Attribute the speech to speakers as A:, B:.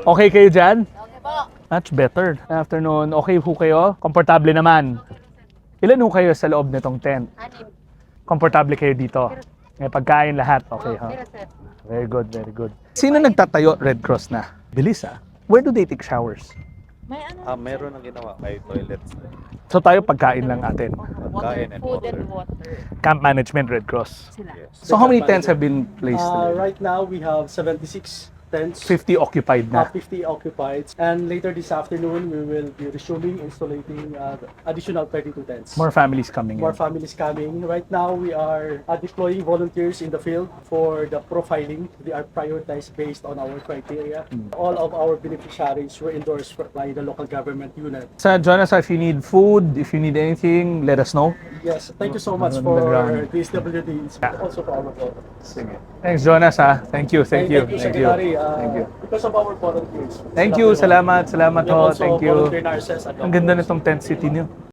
A: Okay kayo dyan?
B: Okay po.
A: Much better. Afternoon, okay ho kayo? Komportable naman. Ilan ho kayo sa loob nitong tent?
B: Anim.
A: Komportable kayo dito? May pagkain lahat, okay ha?
B: Pero sir.
A: Very good, very good. Sino nagtatayo Red Cross na? Bilis ah. Where do they take showers?
B: May ano?
C: Meron ang ginawa kay toilets.
A: So tayo pagkain lang atin.
C: Pagkain and
B: Food
C: water.
B: and water.
A: Camp management Red Cross.
B: Sila.
C: Yes.
A: So how many tents have been placed?
D: Right now, we have 76 tents.
A: 50 occupied na.
D: 50 occupied. And later this afternoon, we will be resuming installing additional 32 tents.
A: More families coming
D: More
A: in.
D: families coming. Right now, we are deploying volunteers in the field for the profiling. They are prioritized based on our criteria. All of our beneficiaries were endorsed by the local government unit.
A: Sa Jonas, if you need food, if you need anything, let us know.
D: Yes, thank you so much
A: On the
D: for
A: ground.
D: DSWD, also for our volunteers.
A: Sige. Thanks Jonas ha. Thank you, thank you.
D: Thank you, Secretary.
A: Thank you.
D: Because of our volunteers.
A: Thank you, salamat
D: We have
A: ho.
D: also
A: Thank you.
D: volunteer nurses and
A: Ang ganda
D: doctors.
A: nitong tent city niyo.